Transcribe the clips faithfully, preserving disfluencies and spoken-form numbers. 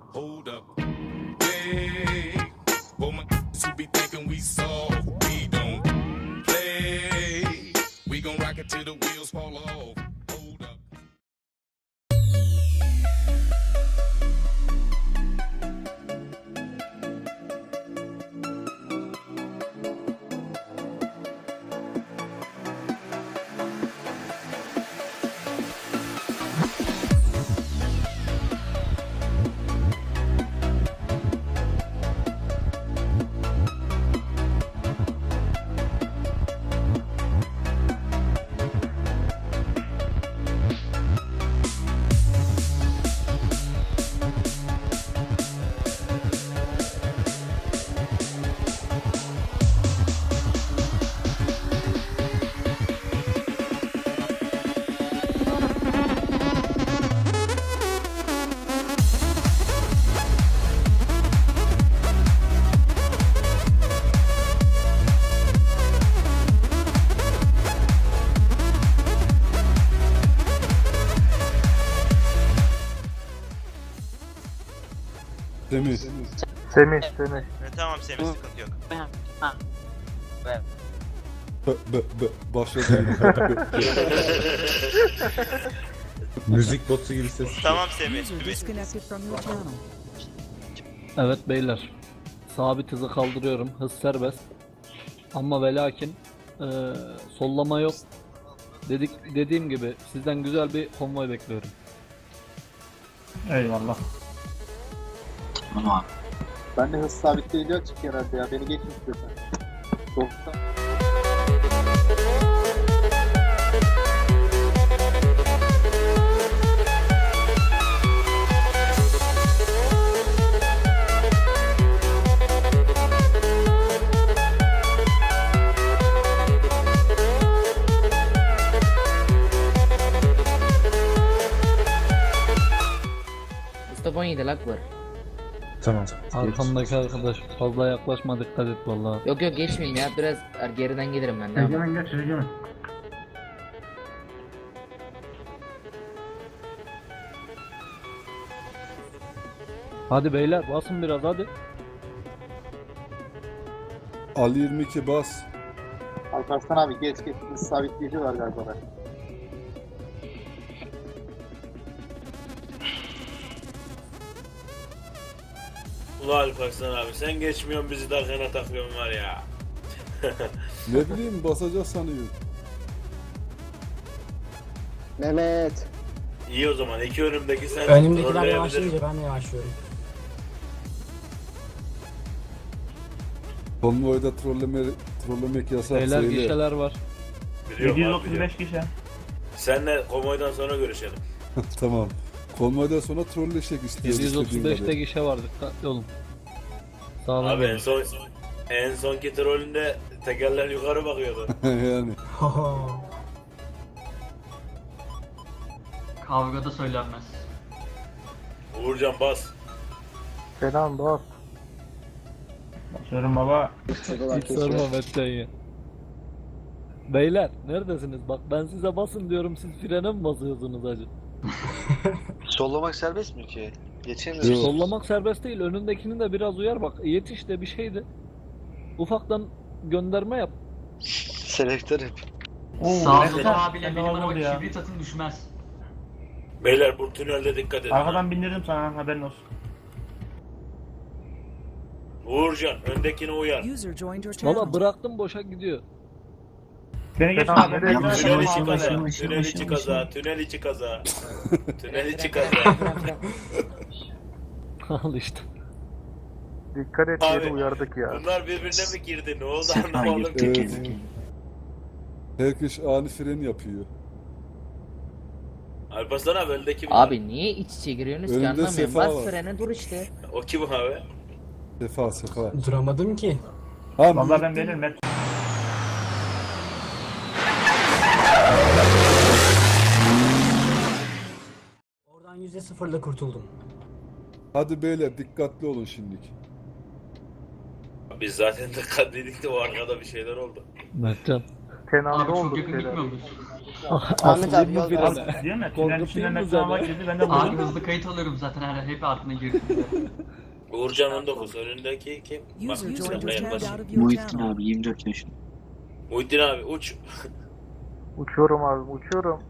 Hold up. Hey, for my who be thinking we soft, we don't play. We gon' rock it till the wheels fall off. Hold up. Semih. Semih, Semih. E, tamam Semih, sıkıntı yok. Be, be, be, başladı. Müzik botu gibi ses. Tamam Semih. User Semih. disconnected from your channel. Evet beyler. Sabit hızı kaldırıyorum. Hız serbest. Ama ve lakin eee, sollama yok. Dedik, dediğim gibi sizden güzel bir konvoy bekliyorum. Eyvallah. Ben de hız sabitleyici açık herhalde ya. Beni geçin istiyorsan. Doksan. Mustafa on yedi lag var. Tamam. Arkamdaki arkadaş fazla yaklaşma, dikkat et vallahi. Yok yok geçmeyeyim ya, biraz geriden gelirim ben de. Egemen geç Egemen. Hadi beyler basın biraz hadi. Ali yirmi iki bas. Alparslan abi geç geç. Hız sabitleyici var galiba. da. Ulan Alparslan abi sen geçmiyorsun bizi dakikana takıyorsun var ya. Ne bileyim basacak sanıyorum. Mehmet. İyi o zaman iki önümdeki sen Önümdekiler trolleyebilir. yavaşlayınca ben de yavaşlıyorum. Konvoyda trolleme, trollemek yasak Beyler söyle. gişeler var. Biliyorum abi, biliyorum. yedi yüz otuz beş kişi. Senle konvoydan sonra görüşelim. Tamam. Konvoydan sonra trolleşek istiyoruz. yedi yüz otuz beşte istediğin gişe var, dikkatli olun. Sağdan Abi en gelin. son en sonki trolünde tekerler yukarı bakıyordu. kadar. Yani. Kavgada söylenmez. Uğurcan bas. Kenan bas. Basıyorum baba. Hiç sorma Mete'yi. Beyler neredesiniz? Bak ben size basın diyorum, siz frene mi basıyorsunuz acı? Sollamak serbest mi ki? Geçemiyorum. Yok. Sollamak serbest değil, önündekini de biraz uyar bak. Yetiş de bir şeydi. Ufaktan gönderme yap. Selektör hep. Sağda abiyle ne benim oldu araba ya? kibrit atın düşmez. Beyler bu tünelde dikkat edin. Arkadan bindirdim sana, haberin olsun. Uğurcan öndekine uyar. User joined your channel. Valla bıraktım, boşa gidiyor. Beni geç Tamam, abi. nereye Beni geç. Tünel gidiyorsun? içi kaza, Başım, başım, tünel başım, içi başım. kaza, tünel içi kaza. Tünel içi kaza. Al işte. Dikkat et Abi, diye uyardık ya. Bunlar birbirine mi girdi? Ne oldu anlamadım. Evet. Herkes ani fren yapıyor. Alparslan abi öndeki mi? Abi niye iç içe giriyorsunuz ki, Önünde anlamıyorum. Sefa Bas var. frene dur işte. O kim abi? Sefa sefa. Duramadım ki. Ha, Vallahi ben veririm hep. Oradan yüzde sıfırla kurtuldum. hadi beyler dikkatli olun şimdilik. Biz zaten dikkatliydik de o arkada bir şeyler oldu. Mertcan. Kenan'da Abi çok olduk yakın şeyler. gitmiyor muyuz? Ahmet abi yol ver. Değil mi? Tünel Korkutayım içinden mı metro almak seni? girdi. Ben de Abi buldum. hızlı kayıt alıyorum zaten her hep ardına girdiğinde. Uğurcan on dokuz. Önündeki kim? Bak User joined silahla your yaklaş. channel out of your channel. abi yirmi dört yaşında. Muhittin abi uç. Uçuyorum abi uçuyorum.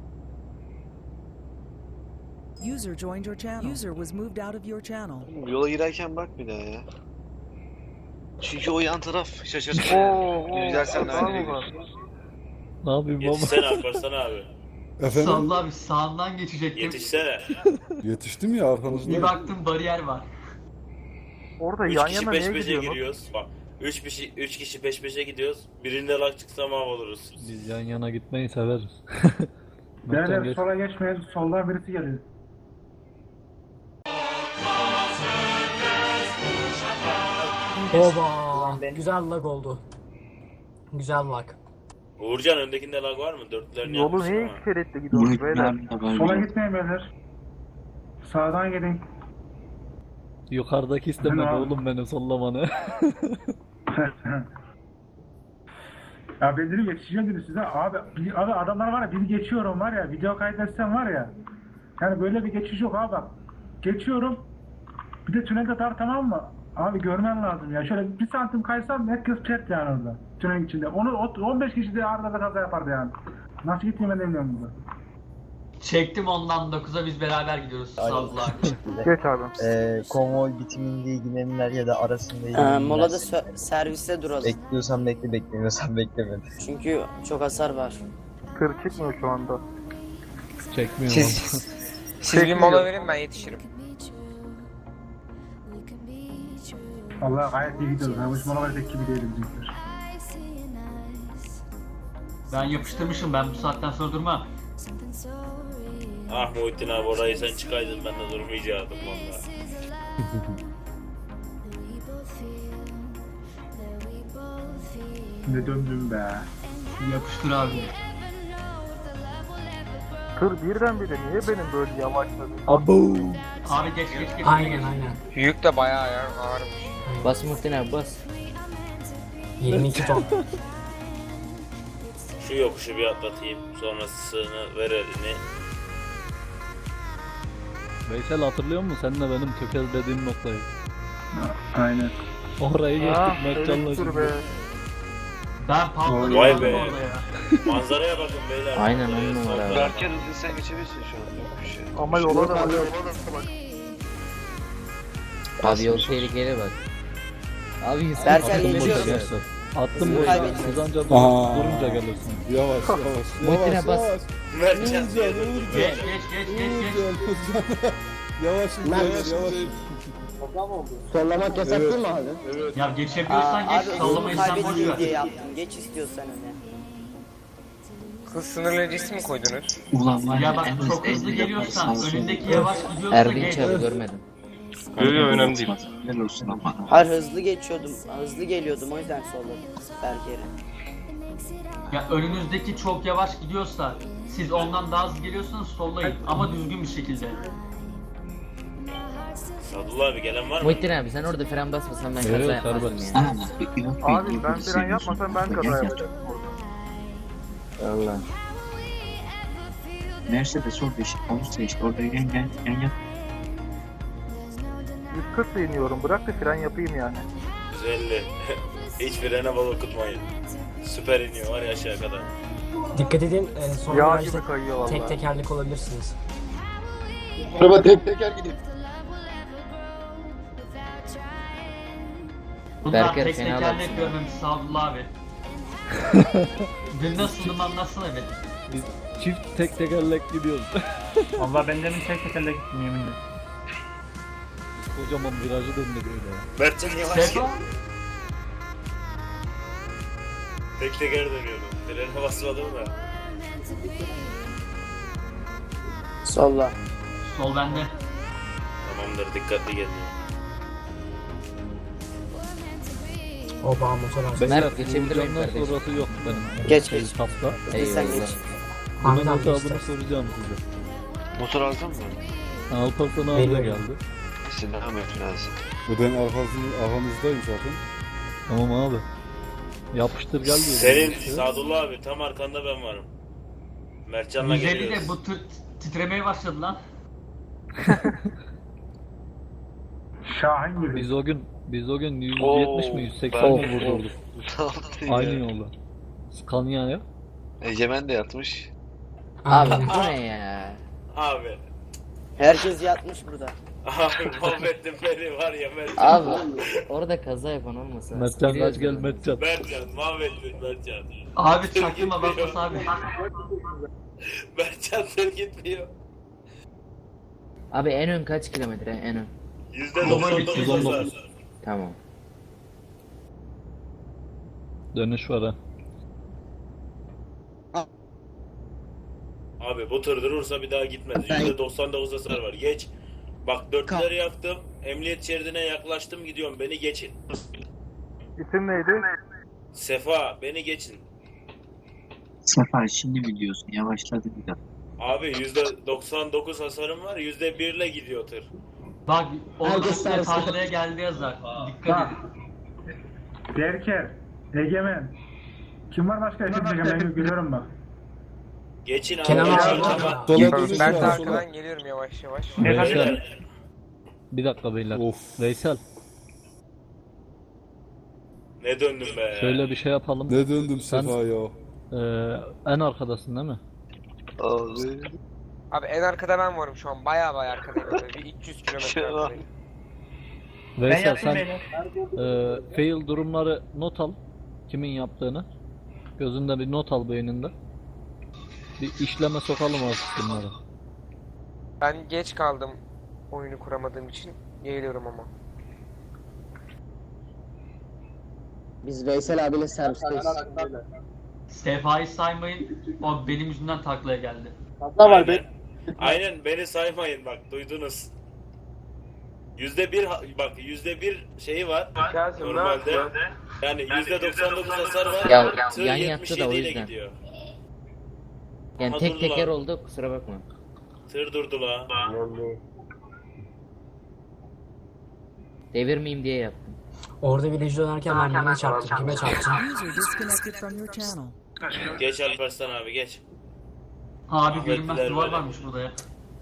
User joined your channel. User was moved out of your channel. Yola girerken bak bir daha ya. Çünkü o yan taraf şaşırtıyor. Oo, Gidersen oo, nereye oo. Ne yapayım baba? Yetişsene Alparslan abi. Efendim Salla abi sağından geçecektim. Yetişsene. yetiştim ya Bir arkanızda. baktım bariyer var. Orada Üç yan kişi yana peş niye peşe gidiyorsun? giriyoruz. Bak. Üç kişi, üç kişi peş peşe gidiyoruz. Birinde lak çıksa mahvoluruz. Biz yan yana gitmeyi severiz. Mertcan Beyler geç. sola geçmeyin. Soldan birisi geliyor. Oba! Güzel lag oldu. Güzel lag. Uğurcan öndekinde lag var mı? Dörtlerini Yolu yapmışsın niye ama. iki şeritli gidiyorsunuz beyler? Sola gitmeyin beyler. Sağdan gidin. Yukarıdaki istemedi Ben abi. oğlum beni sollamanı. Ya ben dedim yetişeceğim dedim size. Abi, bir- abi adamlar var ya biri geçiyorum var ya video kaydetsem var ya. Yani böyle bir geçiş yok abi bak. Geçiyorum. Bir de tünelde dar tamam mı? Abi görmen lazım ya. Şöyle bir santim kaysam herkes çert yani orada. Tünel içinde. Onu o- on beş kişi de arada da kaza yapardı yani. Nasıl gittiğimi ben de bilmiyorum burada. Çektim ondan dokuza biz beraber gidiyoruz. Salla abi. Geç abi. Ee, konvoy bitiminde ilgilenenler ya da arasında Ee, ilgilenenler. molada sö- serviste duralım. Bekliyorsan bekle, beklemiyorsan bekleme. Çünkü çok hasar var. Tır çıkmıyor şu anda. Çekmiyorum. Siz bir mola verin ben yetişirim. Allah gayet iyi gidiyoruz. Ha, bu mola verecek gibi değilim bizimkiler. Ben yapıştırmışım ben bu saatten sonra durmam. Ah Muhittin abi orayı sen çıkaydın ben de durmayacaktım valla. Ne döndüm be. Yapıştır abi. Tır birdenbire niye benim böyle yavaşladı? Abo. Abi geç geç geç. Aynen geç. aynen. Yük de bayağı ağırmış. Bas Muhittin abi bas. yirmi iki ton. Şu yokuşu bir atlatayım. Sonrasını ver elini. Veysel hatırlıyor musun? Sen de benim tökezlediğim noktayı. Aynen. Orayı geçtik Ah, Mertcan'la elektür şimdi. be. Ben patladım Vay orada be. ya. Manzaraya bakın beyler. Aynen, Manzaraya on numara solda. abi. hızlı sen geçebilirsin şu an. Yok bir şey. Ama yola da bak. Abi yol tehlikeli bak. Abi Yusuf Berker attım geçiyor. boşuna. Gençler. Attım Hızlı boşuna. kaybediyoruz. Siz anca dur, Aa. durunca gelirsin. Yavaş yavaş Muhittin'e yavaş bas. yavaş. Mertcan diye Uğurcan, durdum. Uğurcan. Geç geç geç geç geç. Yavaş yavaş yavaş. Sollamak yasak değil mi abi? Ya geçebiliyorsan geç sallamayı sen boş ver. diye yaptım. Geç istiyorsan öne. Hız sınırlayıcısı mı koydunuz? Ulan Ya bak çok hızlı geliyorsan önündeki yavaş gidiyorsa Erdinç geç. abi görmedim. Yok yok önemli değil. Helal olsun ama. Hayır hızlı geçiyordum. Hızlı geliyordum o yüzden solladım. Berker'e. Ya önünüzdeki çok yavaş gidiyorsa siz ondan daha hızlı geliyorsanız sollayın ama düzgün bir şekilde. Sadullah abi gelen var mı? Muhittin abi sen orada fren basmasan ben Evet, kaza yapmazdım serbest. yani. Abi ben fren yapmasam ben kaza yapacağım. Allah. Mercedes orada işte olursa işte orada yan yan yan yan. yüz kırk iniyorum bırak da fren yapayım yani. yüz elli. Hiç frene bal okutmayın. Süper iniyor var ya aşağı kadar. Dikkat edin e, son Yağ virajda gibi kayıyor valla. tek tekerlek olabilirsiniz. Araba tek teker gidiyor. Bunlar Berker tek fena tekerlek baksın görmemiş Sadullah abi. Dün nasıldım anlatsana evet. Biz çift tek tekerlek gidiyoruz. Valla ben demin tek tekerle gittim yeminle. Kocaman virajı döndük öyle ya. Mertcan yavaş gel. Sefa. Tek teker dönüyordu. Frene basmadım da. Solla. Sol bende. Tamamdır dikkatli gelin. Oba motor az. Beyler, Mert, geçebilir miyim Uğurcan'dan kardeşim? sonrası yok benim. Geç, Şey, geç. Hafta. Hadi sen Eyvallah. geç. Bunun Ahmet abi hesabını geçti. soracağım size. Motor aldın mı? Alparslan abi de Veriyorum. geldi. İşte ne yapıyorsun lazım? Bu ben arkasının arkamızdayım zaten. Tamam abi. Yapıştır gel diyor. Senin Sadullah abi tam arkanda ben varım. Mertcan'la yüz elli de geliyoruz. bu tır titremeye başladı lan. Şahin gibi. Biz o gün biz o gün yüz Oo, yetmiş mi yüz seksen mi ben- vurdurduk? Ne yaptın ya? Aynı yolda. Scania ya. Egemen de yatmış. Abi bu ne ya? Abi. Herkes yatmış burada. Abi mahvettin beni var ya Mertcan. Abi orada kaza yapan olmasa. Mertcan kaç giriyoruz gel yani. Mertcan. Mertcan mahvettin Mertcan. Abi çaktırma Bakos abi. Mertcan tır gitmiyor. Abi en ön kaç kilometre en ön? yüzde doksan dokuz hasar. Tamam. Dönüş var ha. Abi bu tır durursa bir daha gitmez. yüzde doksan dokuz hasar var. Geç. Bak dörtleri yaktım. Emniyet şeridine yaklaştım gidiyorum. Beni geçin. İsim neydi? Sefa beni geçin. Sefer şimdi mi diyorsun? Yavaşladı bir dakika. Abi yüzde doksan dokuz hasarım var. yüzde bir ile gidiyor tır. Bak orada Herkes üstüne sarsı. tarlaya geldi yazar. Dikkat Bak. edin. Berker. Egemen. Kim var başka? Ekip Egemen. Ben görüyorum bak. Geçin abi. Kenan geçin. abi. Tamam. Sola dönüş var sola. geliyorum yavaş yavaş. Veysel. Bir dakika beyler. Of. Veysel. Ne döndüm be. Şöyle bir şey yapalım. Ne döndüm Sefa ya. Ee, en arkadasın değil mi? Abi. Abi en arkada ben varım şu an. Baya baya arkadayım. Bir üç yüz Şey var. Veysel sen e, fail durumları not al. Kimin yaptığını. Gözünde bir not al beyninde. Bir işleme sokalım artık bunları. Ben geç kaldım. Oyunu kuramadığım için. Geliyorum ama. Biz Veysel abiyle servisteyiz. Sefa'yı saymayın. O benim yüzümden taklaya geldi. Fazla var be. Aynen. Aynen beni saymayın bak duydunuz. Yüzde bir ha- bak yüzde bir şeyi var normalde. Yani yüzde doksan dokuz hasar var. Ya, tır yan yattı yetmiş da o yedi ile yüzden. gidiyor. Yani Aha, tek durdu teker lan. oldu kusura bakma. Tır durdu la. Devirmeyeyim diye yaptım. Orada viraj dönerken ben birine çarptım. Kime çarptım? User disconnected from your channel. Geç Alparslan abi geç. Abi Ahmet görünmez Bilal duvar böyle. varmış burada ya.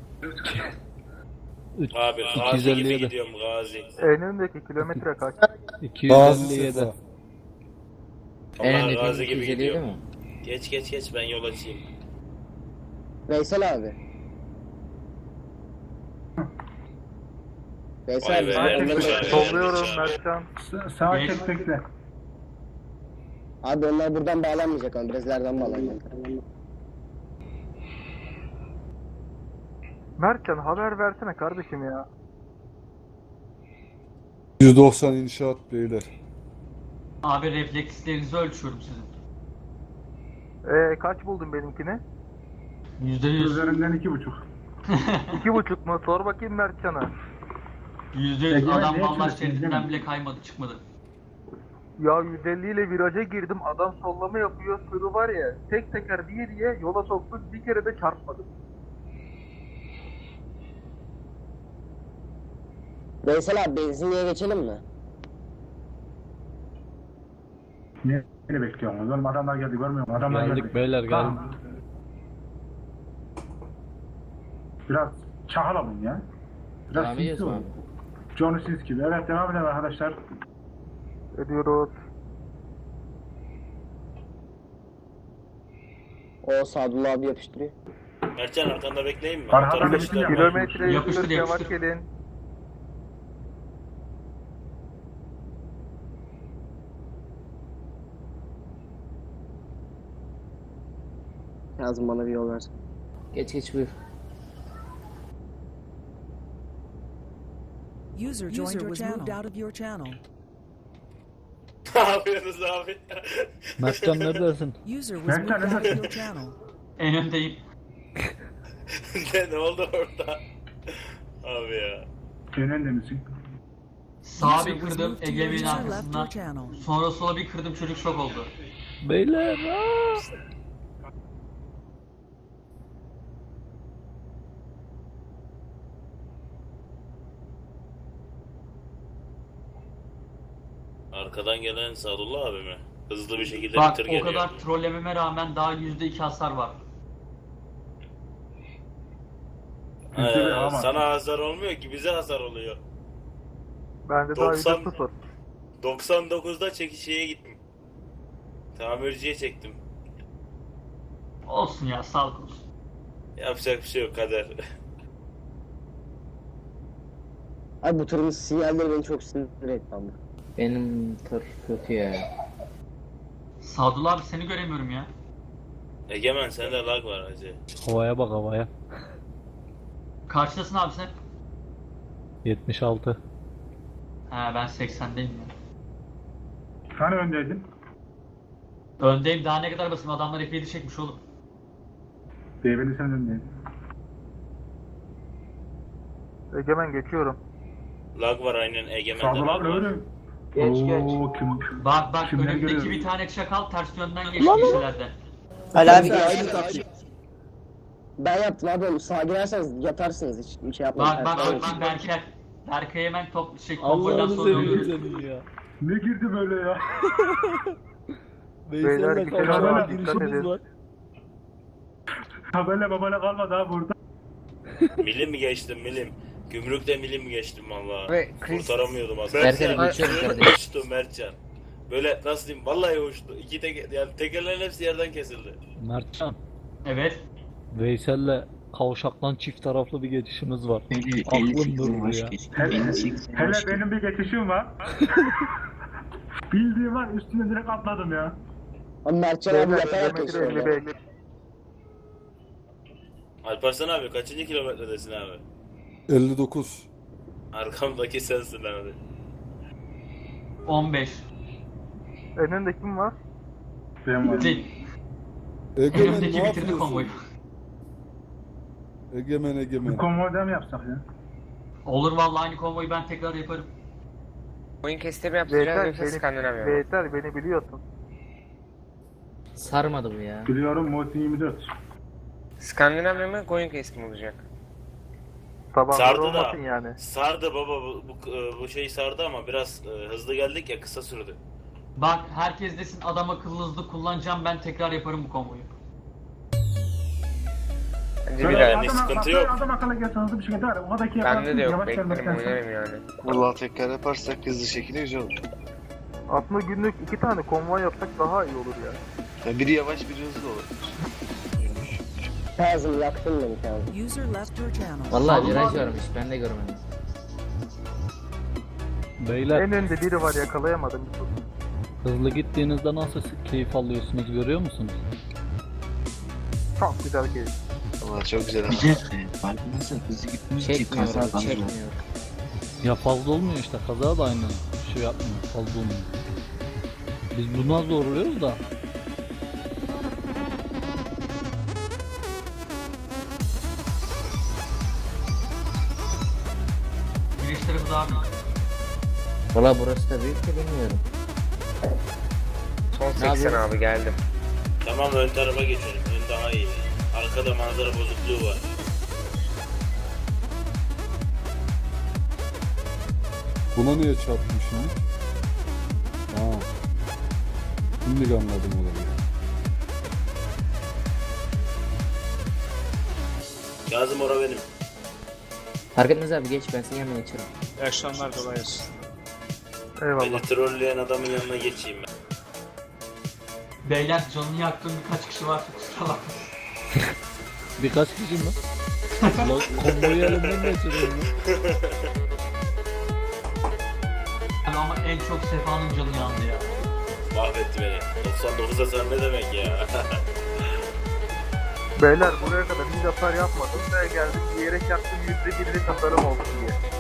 Üç- Abi iki yüz gazi elli gibi yedi. gidiyorum gazi. En öndeki kilometre kaç? iki yüz Bazı elli yedi. Sefa. En Allah öndeki gazi gibi iki yüz elli yedi gidiyorum. mi? Geç geç geç ben yol açayım. Veysel abi. Veysel Vay abi. be, sen Ermiş onları- abi. Solluyorum Ermiş abi. Mertcan. Sağa Geç. çek bekle. Abi onlar buradan bağlanmayacak ama biraz ileriden bağlanacak. Mertcan haber versene kardeşim ya. yüz doksan inşaat beyler. Abi reflekslerinizi ölçüyorum sizin. Ee, kaç buldun benimkini? Yüzde yüz. Üzerinden iki buçuk. İki buçuk mu? Sor bakayım Mertcan'a. Yüzde yüz. Egemen, Adam ne vallahi yapıyorsun, şeridinden Egemen? bile kaymadı çıkmadı. Ya yüz elli ile viraja girdim. Adam sollama yapıyor. Sürü var ya. Tek teker diye diye yola soktuk. Bir kere de çarpmadım. Veysel abi benzinliğe geçelim mi? Ne, ne bekliyorsunuz? Oğlum adamlar geldi görmüyor musun? Adamlar Geldik geldi. beyler geldik. Tamam. Biraz çahalalım ya. Biraz Devam sinsi ediyorsun olun. abi. Johnny Sins gibi. Evet devam edelim arkadaşlar. Ediyoruz. O Sadullah abi yapıştırıyor. Mertcan arkanda bekleyeyim mi? Arkadan Motor bekleyin. başlar. Kilometre Yapıştır, yavaş yapıştır. gelin. Yazın bana bir yol versin. Geç geç buyur. User joined your channel. Moved out of your channel. Ne yapıyorsunuz abi? Mertcan neredesin? User was moved out of your channel. En öndeyim. ne, ne oldu orada? Abi ya. En önde misin? Sağa User bir was kırdım moved to your Egemen'in user left your arkasından. channel. Sonra sola bir kırdım çocuk şok oldu. Beyler. aa! Arkadan gelen Sadullah abi mi? Hızlı bir şekilde bir tır Bak o geliyor. kadar trollememe rağmen daha yüzde iki hasar var. Yüzde bir Ee, ama. sana hasar olmuyor ki bize hasar oluyor. Bende daha yüzde sıfır. doksan dokuzda çekişeye gittim. Tamirciye çektim. Olsun ya, sağlık olsun. Yapacak bir şey yok, kader. Abi bu turun sinyalleri beni çok sinir etti ama. Benim tır kötü ya. Sadullah abi seni göremiyorum ya. Egemen sende lag var hacı. Havaya bak havaya. Karşıdasın abi sen. yetmiş altı. He ben seksendeyim ya. Hani öndeydin? Öndeyim, daha ne kadar basayım, adamlar F yedi çekmiş oğlum. Beyefendi sen öndeydin. Egemen geçiyorum. Lag var aynen, Egemen'de Sadullah lag abi var. öyle. Geç, Oo, Kim? Bak bak, Kimden önümdeki görüyorum? bir tane çakal ters yönden geçti kişilerden. Ali abi Mesela geç. aynı taktik. Ben yaptım abi oğlum. Sağa girerseniz yatarsınız hiç. Bir şey yapmayın. Bak bak Ters bak yönden. bak Berker. Berkay hemen top şey konvoydan Allah'ını sonra seviyorum oluyor. seni ya. Ne girdi böyle ya? Veysel'le kavuşan bir girişimiz var. Tabela babala kalmadı ha burada. Milim mi geçtim milim? Gümrükte milim mi geçtim valla? Ve Chris- Kurtaramıyordum az. Berker'e Mertcan, geçiyorum uçtu, kardeşim. uçtu Mertcan. Böyle nasıl diyeyim, vallahi uçtu. İki teker, yani tekerlerin hepsi yerden kesildi. Mertcan, Evet. Veysel'le kavşaktan çift taraflı bir geçişimiz var. Aklım durdu ya. Hele, hele benim bir geçişim var. Bildiğim var, üstüne direkt atladım ya. Ama Mertcan abi yaparak geçiyor. ya. Alparslan abi kaçıncı kilometredesin abi? elli dokuz. Arkamdaki sensin abi. on beş. Önünde kim var? Ben varım. Değil. Egemen ne Önümdeki bitirdi konvoyu. yapıyorsun? Egemen Bir Egemen. konvoyda mı yapsak ya? Olur vallahi, aynı konvoyu ben tekrar yaparım. Oyun kestirme yapacağız yoksa Skandinavya mı? Beyler beni biliyorsun. Sarmadı bu ya. Biliyorum Motin yirmi dört. Skandinavya mı, koyun kestim olacak? Sardı da. Yani. Sardı baba, bu, bu, bu şey sardı ama biraz e, hızlı geldik ya, kısa sürdü. Bak herkes desin adam akıllı hızlı kullanacağım, ben tekrar yaparım bu konvoyu. Bence bir Böyle daha. Yani sıkıntı yok. Adam akıllı gelse hızlı bir şekilde var. Oradaki Bende de yok, yavaş beklerim gelmektense. oynarım yani. Vallahi tekrar yaparsak hızlı şekilde güzel olur. Aslında günlük iki tane konvoy yapsak daha iyi olur ya. Yani biri yavaş biri hızlı olur. Kazım yaktın beni Kazım. User left your channel. Vallahi viraj varmış, ben de görmedim. Beyler, önde biri var yakalayamadım. hızlı gittiğinizde nasıl keyif alıyorsunuz görüyor musunuz? Çok güzel keyif. Vallahi çok güzel ama. Çekmiyor, çekmiyor. Ya fazla olmuyor işte, kaza da aynı şey yapmıyor, fazla olmuyor. Biz buna zorluyoruz da. Giriş tarafı daha büyük. Valla burası da büyük de bilmiyorum. Son seksen abi, geldim. Tamam, ön tarafa geçelim. Ön daha iyi. Arkada manzara bozukluğu var. Buna niye çarptım şimdi? Aa. Şimdi anladım olayı. Kazım ora benim. Fark etmez abi, geç, ben senin yanına geçerim. İyi akşamlar, kolay gelsin. Beni trolleyen adamın yanına geçeyim ben. Beyler canını yaktığım birkaç kişi var, kusura bakmayın. Birkaç kişi mi? Lan konvoyu elimden geçiriyorum ya. Yani ama en çok Sefa'nın canı yandı ya. Mahvetti beni. doksan dokuzda sen ne demek ya? Beyler buraya kadar hiç hasar yapmadım. Ben geldim diyerek yaptım, yüzde birlik hasarım olsun diye.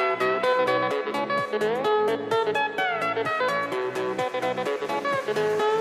User